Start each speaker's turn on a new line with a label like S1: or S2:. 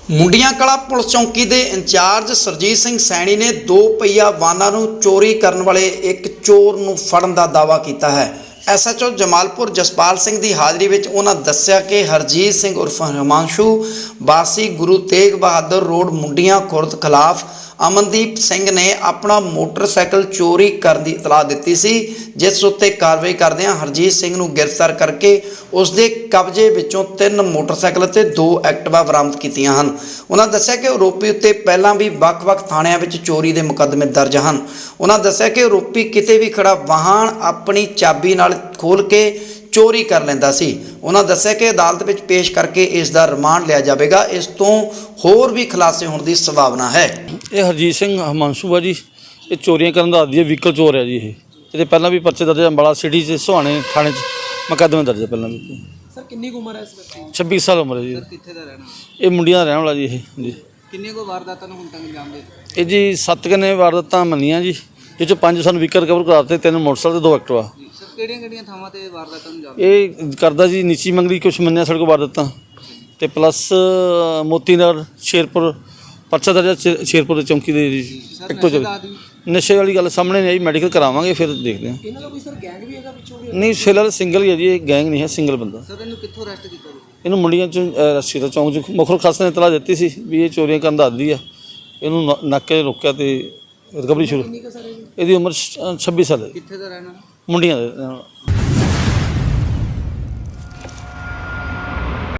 S1: ਮੁੰਡੀਆਂ ਕਲਾ ਪੁਲਿਸ ਚੌਂਕੀ ਦੇ ਇੰਚਾਰਜ ਸਰਜੀਤ ਸਿੰਘ ਸੈਣੀ ਨੇ 2 ਪਹੀਆ ਵਾਹਨਾਂ ਨੂੰ ਚੋਰੀ ਕਰਨ ਵਾਲੇ ਇੱਕ ਚੋਰ ਨੂੰ ਫੜਨ ਦਾ ਦਾਅਵਾ ਕੀਤਾ ਹੈ। ਐਸਐਚਓ ਜਮਾਲਪੁਰ ਜਸਪਾਲ ਸਿੰਘ ਦੀ ਹਾਜ਼ਰੀ ਵਿੱਚ ਉਹਨਾਂ ਦੱਸਿਆ ਕਿ ਹਰਜੀਤ ਸਿੰਘ ਉਰਫ ਹਿਮਾਂਸ਼ੂ ਵਾਸੀ ਗੁਰੂ ਤੇਗ ਬਹਾਦਰ ਰੋਡ ਮੁੰਡੀਆਂ ਖੁਰਦ ਖਿਲਾਫ ਅਮਨਦੀਪ ਸਿੰਘ ਨੇ ਆਪਣਾ ਮੋਟਰਸਾਈਕਲ ਚੋਰੀ ਕਰਨ ਦੀ ਇਤਲਾਹ ਦਿੱਤੀ ਸੀ, ਜਿਸ ਉੱਤੇ ਕਾਰਵਾਈ ਕਰਦਿਆਂ ਹਰਜੀਤ ਸਿੰਘ ਨੂੰ ਗ੍ਰਿਫਤਾਰ ਕਰਕੇ ਉਸ ਦੇ ਕਬਜ਼ੇ ਵਿੱਚੋਂ 3 ਮੋਟਰਸਾਈਕਲ ਅਤੇ 2 ਐਕਟਿਵਾ ਬਰਾਮਦ ਕੀਤੀਆਂ ਹਨ। ਉਹਨਾਂ ਦੱਸਿਆ ਕਿ ਆਰੋਪੀ ਉੱਤੇ ਪਹਿਲਾਂ ਵੀ ਵੱਖ-ਵੱਖ ਥਾਣਿਆਂ ਵਿੱਚ ਚੋਰੀ ਦੇ ਮੁਕੱਦਮੇ ਦਰਜ ਹਨ। ਉਹਨਾਂ ਦੱਸਿਆ ਕਿ ਆਰੋਪੀ ਕਿਤੇ ਵੀ ਖੜਾ ਵਾਹਨ ਆਪਣੀ ਚਾਬੀ ਨਾਲ ਖੋਲ੍ਹ ਕੇ ਚੋਰੀ ਕਰ ਲੈਂਦਾ ਸੀ। ਉਹਨਾਂ ਦੱਸਿਆ ਕਿ ਅਦਾਲਤ ਵਿੱਚ ਪੇਸ਼ ਕਰਕੇ ਇਸ ਦਾ ਰਿਮਾਂਡ ਲਿਆ ਜਾਵੇਗਾ। ਇਸ ਤੋਂ ਹੋਰ ਵੀ ਖੁਲਾਸੇ ਹੋਣ ਦੀ ਸੰਭਾਵਨਾ ਹੈ।
S2: ਇਹ ਹਰਜੀਤ ਸਿੰਘ ਹਿਮਾਂਸ਼ੂ ਆ ਜੀ, ਇਹ ਚੋਰੀਆਂ ਕਰਨ ਦਾ ਆਦੀ ਹੈ, ਵਹੀਕਲ ਚੋਰ ਹੈ ਜੀ। ਇਹਦੇ ਪਹਿਲਾਂ ਵੀ ਪਰਚੇ ਦਰਜ ਅੰਬਾਲਾ ਸਿਟੀ 'ਚ ਸੁਹਾਣੇ ਥਾਣੇ 'ਚ ਮੁਕੱਦਮੇ ਦਰਜ ਹੈ ਪਹਿਲਾਂ ਵੀ।
S3: ਸਰ ਕਿੰਨੀ ਉਮਰ ਹੈ ਇਸ ਬੱਚੇ ਦੀ?
S2: 26 ਸਾਲ ਉਮਰ ਹੈ ਜੀ।
S3: ਸਰ ਕਿੱਥੇ ਦਾ ਰਹਿਣਾ?
S2: ਇਹ ਮੁੰਡੀਆਂ ਦਾ ਰਹਿਣ ਵਾਲਾ ਜੀ। ਇਹ ਜੀ
S3: ਕਿੰਨੇ ਕੋ ਵਾਰਦਾਤਾਂ ਨੂੰ ਹੁਣ ਤੱਕ ਅੰਜਾਮ ਦੇ?
S2: ਇਹ ਜੀ 7 ਕਨੇ ਵਾਰਦਾਤਾਂ ਮੰਨੀਆਂ ਜੀ, ਜਿਹ 'ਚੋਂ 5 ਸਾਨੂੰ ਵਹੀਕਲ ਰਿਕਵਰ ਕਰਾ ਦਿੱਤੇ, 3 ਮੋਟਰਸਾਈਕਲ ਤੇ 2 ਐਕਟਿਵਾ।
S3: ਸਰ ਕਿਹੜੀਆਂ ਥਾਵਾਂ ਤੇ ਵਾਰਦਾਤਾਂ ਨੂੰ ਅੰਜਾਮ?
S2: ਇਹ ਕਰਦਾ ਜੀ ਨੀਚੀ ਮੰਗਲੀ ਕੁਛ ਮੰਨਿਆ ਸਾਡੇ ਕੋਲ ਵਾਰਦਾਤਾਂ, ਤੇ ਪਲੱਸ ਮੋਤੀ ਨਗਰ ਸ਼ੇਰਪੁਰ ਪਰਚਾ ਦਰਜ ਸ਼ੇਰਪੁਰ ਦੀ ਚੌਂਕੀ ਦੇ ਜੀ। ਇੱਕੋ ਜਗ੍ਹਾ ਨਸ਼ੇ ਵਾਲੀ ਗੱਲ ਸਾਹਮਣੇ ਨਹੀਂ ਆਈ, ਮੈਡੀਕਲ ਕਰਾਵਾਂਗੇ ਫਿਰ ਦੇਖਦੇ ਹਾਂ।
S3: ਇਹਨਾਂ ਦਾ ਕੋਈ ਸਰ ਗੈਂਗ ਵੀ ਹੈਗਾ ਪਿੱਛੋਂ?
S2: ਨਹੀਂ ਫਿਲਹਾਲ ਸਿੰਗਲ ਹੀ ਹੈ ਜੀ, ਇਹ ਗੈਂਗ ਨਹੀਂ ਹੈ, ਸਿੰਗਲ ਬੰਦਾ।
S3: ਸਰ ਇਹਨੂੰ ਕਿੱਥੋਂ ਅਰੈਸਟ ਕੀਤਾ?
S2: ਇਹਨੂੰ ਮੁੰਡੀਆਂ 'ਚ ਰਸ਼ੀਦਾ ਚੌਂਕ 'ਚ ਮੁਖਰ ਖਾਸ ਨੇ ਇਤਲਾਹ ਦਿੱਤੀ ਸੀ ਵੀ ਇਹ ਚੋਰੀਆਂ ਕਰਨ ਦਾ ਆਦੀ ਆ। ਇਹਨੂੰ ਨਾਕੇ ਰੋਕਿਆ ਤੇ ਰਿਕਵਰੀ ਸ਼ੁਰੂ। ਇਹਦੀ ਉਮਰ 26 ਸਾਲ ਹੈ।
S3: ਕਿੱਥੇ ਦਾ ਰਹਿਣਾ?
S2: ਮੁੰਡੀਆਂ ਦੇ।